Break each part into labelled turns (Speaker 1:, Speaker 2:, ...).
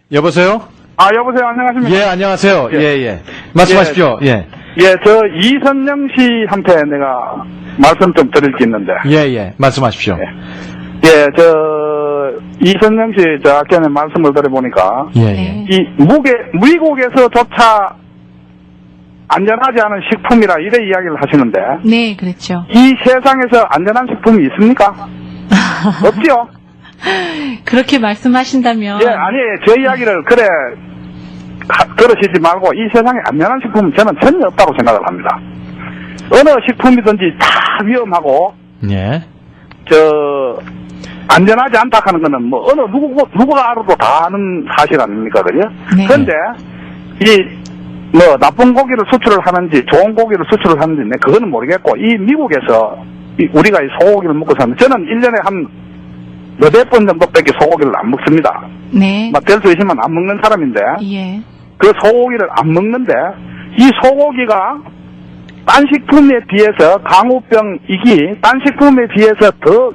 Speaker 1: 여보세요?
Speaker 2: 여보세요. 안녕하십니까?
Speaker 1: 예, 안녕하세요. 예. 말씀하십시오. 예.
Speaker 2: 저 이선영 씨한테 내가 말씀 좀 드릴 게 있는데.
Speaker 1: 예. 말씀하십시오.
Speaker 2: 이선영 씨, 저 아까 전에 말씀을 드려보니까.
Speaker 1: 예.
Speaker 2: 이 미국에서조차 안전하지 않은 식품이라 이래 이야기를 하시는데.
Speaker 3: 네, 그렇죠.
Speaker 2: 이 세상에서 안전한 식품이 있습니까? 없지요?
Speaker 3: 그렇게 말씀하신다면.
Speaker 2: 저 이야기를 들으시지 말고 이 세상에 안전한 식품은 저는 전혀 없다고 생각을 합니다. 어느 식품이든지 다 위험하고, 안전하지 않다 하는 거는 누구가 알아도 다 아는 사실 아닙니까, 그죠?
Speaker 3: 네.
Speaker 2: 그런데, 나쁜 고기를 수출을 하는지, 좋은 고기를 수출을 하는지, 그거는 모르겠고, 이 미국에서, 우리가 이 소고기를 먹고 사는, 저는 1년에 한, 몇백 번 정도밖에 소고기를 안 먹습니다.
Speaker 3: 네.
Speaker 2: 될 수 있으면 안 먹는 사람인데,
Speaker 3: 예.
Speaker 2: 그 소고기를 안 먹는데, 이 소고기가 딴 식품에 비해서 광우병이기, 딴 식품에 비해서 더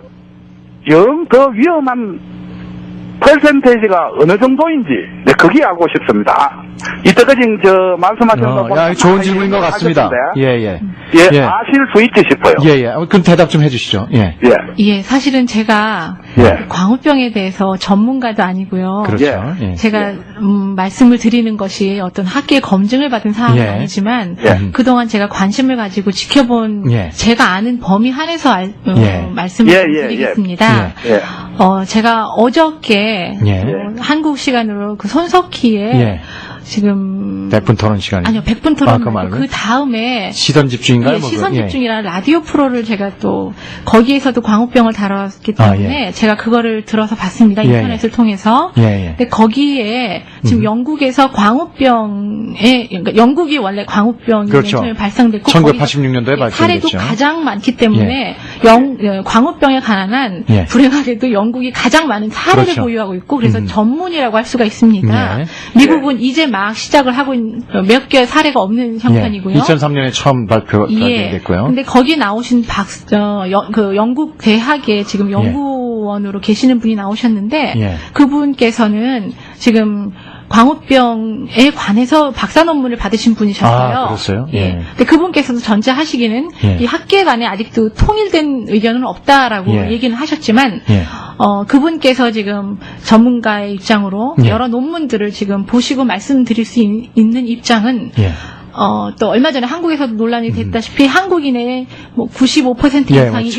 Speaker 2: 위험한 퍼센테이지가 어느 정도인지, 그게 알고 싶습니다. 이때까지 말씀하시는 거 보면
Speaker 1: 좋은 질문인 것 같습니다. 예.
Speaker 2: 아실 수 있지 싶어요.
Speaker 1: 그럼 대답 좀 해주시죠.
Speaker 3: 예, 사실은 제가 광우병에 대해서 전문가도 아니고요.
Speaker 1: 그렇죠.
Speaker 3: 제가 말씀을 드리는 것이 어떤 학계 검증을 받은 사항은 아니지만 그동안 제가 관심을 가지고 지켜본 제가 아는 범위 한에서 말씀을 드리겠습니다. 제가 어저께 한국 시간으로 그 손석희의 지금
Speaker 1: 100분 토론 시간이
Speaker 3: 아니요 100분 토론 그 다음에
Speaker 1: 시선 집중인가요?
Speaker 3: 시선 집중이라는 라디오 프로를 제가 또 거기에서도 광우병을 다뤘기 때문에 제가 그거를 들어서 봤습니다. 인터넷을 통해서. 근데 거기에 지금 영국에서 그러니까 영국이 원래 광우병이 맨 처음에 발생됐고
Speaker 1: 1986년도에 발생됐죠.
Speaker 3: 사례도 가장 많기 때문에 광우병에 관한 불행하게도 영국이 가장 많은 사례를 보유하고 있고 그래서 전문이라고 할 수가 있습니다. 미국은 이제 막 시작을 하고 있는 몇 개의 사례가 없는 형편이고요.
Speaker 1: 2003년에 처음 발표됐고요.
Speaker 3: 근데 거기 나오신 그 영국 대학에 지금 연구원으로 계시는 분이 나오셨는데 그분께서는 지금 광우병에 관해서 박사 논문을 받으신 분이셨어요.
Speaker 1: 그렇어요?
Speaker 3: 근데 그분께서도 전제하시기는 이 학계 간에 아직도 통일된 의견은 없다라고 얘기는 하셨지만 그분께서 지금 전문가의 입장으로 여러 논문들을 지금 보시고 말씀드릴 수 있는 입장은 또 얼마 전에 한국에서도 논란이 됐다시피 한국인의 95% 이상이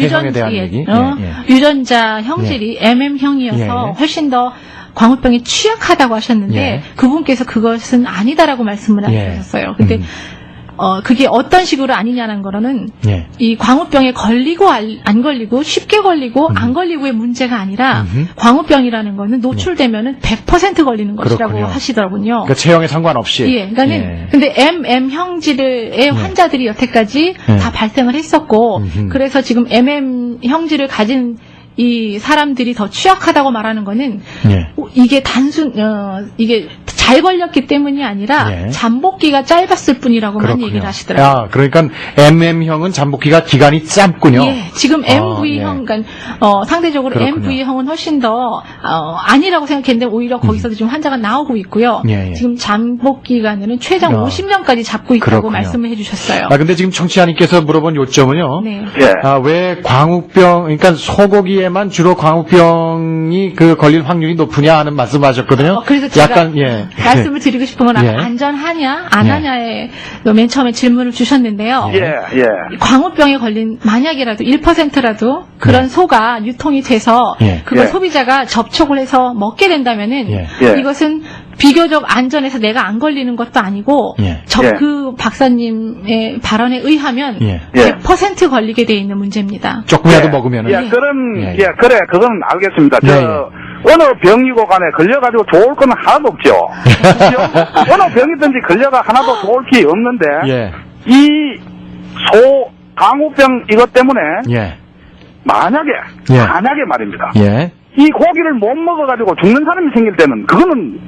Speaker 3: 유전자 형질이 MM형이어서 훨씬 더 광우병에 취약하다고 하셨는데 그분께서 그것은 아니다라고 말씀을 하셨어요. 근데 그게 어떤 식으로 아니냐는 거는 이 광우병에 걸리고 안 걸리고 쉽게 걸리고 안 걸리고의 문제가 아니라 광우병이라는 거는 노출되면은 100% 걸리는 것이라고 하시더라고요.
Speaker 1: 그러니까 체형에 상관없이.
Speaker 3: 그러니까는 근데 MM 형질의 환자들이 여태까지 다 발생을 했었고 그래서 지금 MM 형질을 가진 이 사람들이 더 취약하다고 말하는 거는 이게 이게 잘 걸렸기 때문이 아니라 잠복기가 짧았을 뿐이라고만 얘기를 하시더라고요.
Speaker 1: 그러니까 MM형은 잠복기가 기간이 짧군요.
Speaker 3: 지금 MV형, 그러니까 상대적으로 MV형은 훨씬 더 아니라고 생각했는데 오히려 거기서도 지금 환자가 나오고 있고요. 지금 잠복 기간에는 최장 50년까지 잡고 있다고 말씀을 해주셨어요.
Speaker 1: 근데 지금 청취자님께서 물어본 요점은요. 왜 광우병, 그러니까 소고기에만 주로 광우병이 걸릴 확률이 높으냐 하는 말씀하셨거든요.
Speaker 3: 그래서 제가 말씀을 드리고 싶은 건 안전하냐 안 하냐에 맨 처음에 질문을 주셨는데요. 광우병에 걸린 만약이라도 1%라도 그런 소가 유통이 돼서 그걸 소비자가 접촉을 해서 먹게 된다면은 이것은 비교적 안전해서 내가 안 걸리는 것도 아니고 그 박사님의 발언에 의하면 100% 걸리게 돼 있는 문제입니다.
Speaker 1: 조금이라도 먹으면은.
Speaker 2: 그건 알겠습니다. 어느 병이고 간에 걸려가지고 좋을 건 하나도 없죠. 어느 병이든지 걸려가 하나도 좋을 게 없는데 이 광우병 이것 때문에 만약에 말입니다. 이 고기를 못 먹어가지고 죽는 사람이 생길 때는 그거는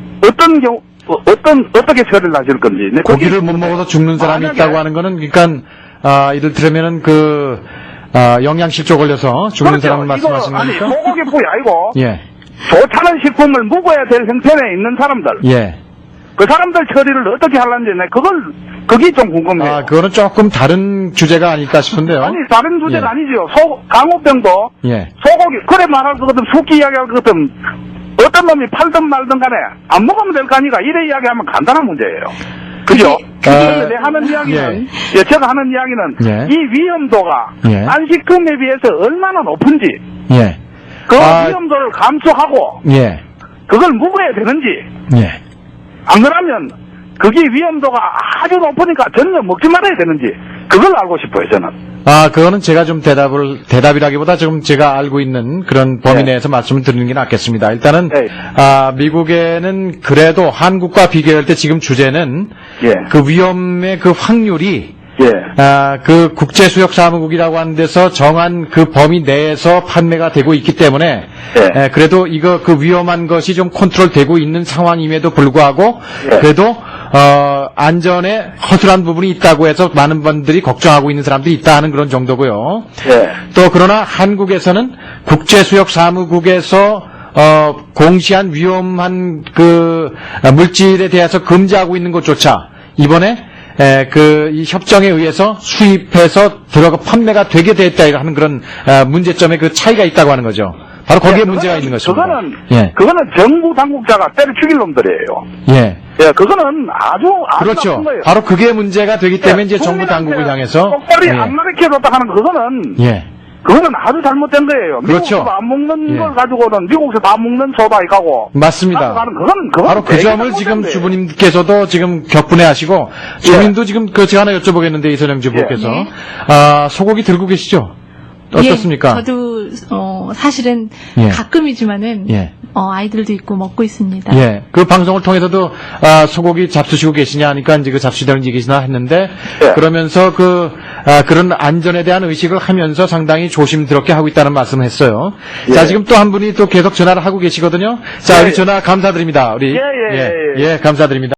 Speaker 2: 어떻게 처리를 하실 건지.
Speaker 1: 고기를 못 먹어서 죽는 사람이 있다고 하는 거는 그러니까 이를테면은 영양실조 걸려서 죽는 사람을 말씀하시는
Speaker 2: 거니까? 소고기뿐이 아니고 좋다는 식품을 먹어야 될 형편에 있는 사람들.
Speaker 1: 예.
Speaker 2: 그 사람들 처리를 어떻게 하려는지, 그게 좀 궁금해요.
Speaker 1: 아, 그거는 조금 다른 주제가 아닐까 싶은데요.
Speaker 2: 아니, 다른 주제가
Speaker 1: 예.
Speaker 2: 아니죠. 강호병도,
Speaker 1: 예.
Speaker 2: 소고기, 그래 말할 것 같으면, 숙기 이야기할 것 같으면, 어떤 놈이 팔든 말든 간에, 안 먹으면 될 거 아니까, 이래 이야기하면 간단한 문제예요. 그죠? 근데 내 하는 이야기는, 제가 하는 이야기는,
Speaker 1: 예.
Speaker 2: 이 위험도가,
Speaker 1: 예.
Speaker 2: 안식품에 비해서 얼마나 높은지,
Speaker 1: 예.
Speaker 2: 그 위험도를 감수하고,
Speaker 1: 예.
Speaker 2: 그걸 먹어야 되는지,
Speaker 1: 예.
Speaker 2: 안 그러면 그게 위험도가 아주 높으니까 전혀 먹지 말아야 되는지 그걸 알고 싶어요, 저는.
Speaker 1: 아, 그거는 제가 좀 대답이라기보다 지금 제가 알고 있는 그런 범위 내에서 말씀을 드리는 게 낫겠습니다. 일단은, 미국에는 그래도 한국과 비교할 때 지금 주제는 그 위험의 그 확률이 그 국제수역사무국이라고 하는 데서 정한 그 범위 내에서 판매가 되고 있기 때문에 그래도 이거 그 위험한 것이 좀 컨트롤되고 있는 상황임에도 불구하고 그래도 안전에 허술한 부분이 있다고 해서 많은 분들이 걱정하고 있는 사람들이 있다 하는 그런 정도고요. 또 그러나 한국에서는 국제수역사무국에서 공시한 위험한 그 물질에 대해서 금지하고 있는 것조차 이번에 이 협정에 의해서 수입해서 들어가 판매가 되게 됐다 하는 그런 문제점의 그 차이가 있다고 하는 거죠. 바로 거기에 문제가 있는 것입니다.
Speaker 2: 그거는 정부 당국자가 때려 죽일 놈들이에요. 그거는 아주
Speaker 1: 그렇죠.
Speaker 2: 나쁜 거예요.
Speaker 1: 바로 그게 문제가 되기 때문에 이제 정부 당국을 향해서
Speaker 2: 똑바로 안 가르쳐줬다 하는 그거는 그거는 아주 잘못된 거예요.
Speaker 1: 그렇죠.
Speaker 2: 미국에서 안 먹는 걸 가지고는 미국에서 다 먹는 소다 이가고.
Speaker 1: 맞습니다.
Speaker 2: 그건
Speaker 1: 바로 그 점을 지금 주부님께서도 지금 격분해하시고 주민도 지금 제가 하나 여쭤보겠는데 이선영 주부께서 소고기 들고 계시죠? 어떻습니까?
Speaker 3: 저도 사실은 가끔이지만은 아이들도 있고 먹고 있습니다.
Speaker 1: 그 방송을 통해서도 소고기 잡수시고 계시냐 하니까 이제 그 잡수시다는 얘기시나 했는데 그러면서 그런 안전에 대한 의식을 하면서 상당히 조심스럽게 하고 있다는 말씀을 했어요. 자, 지금 또 한 분이 또 계속 전화를 하고 계시거든요. 자, 우리 전화 감사드립니다. 우리 감사드립니다.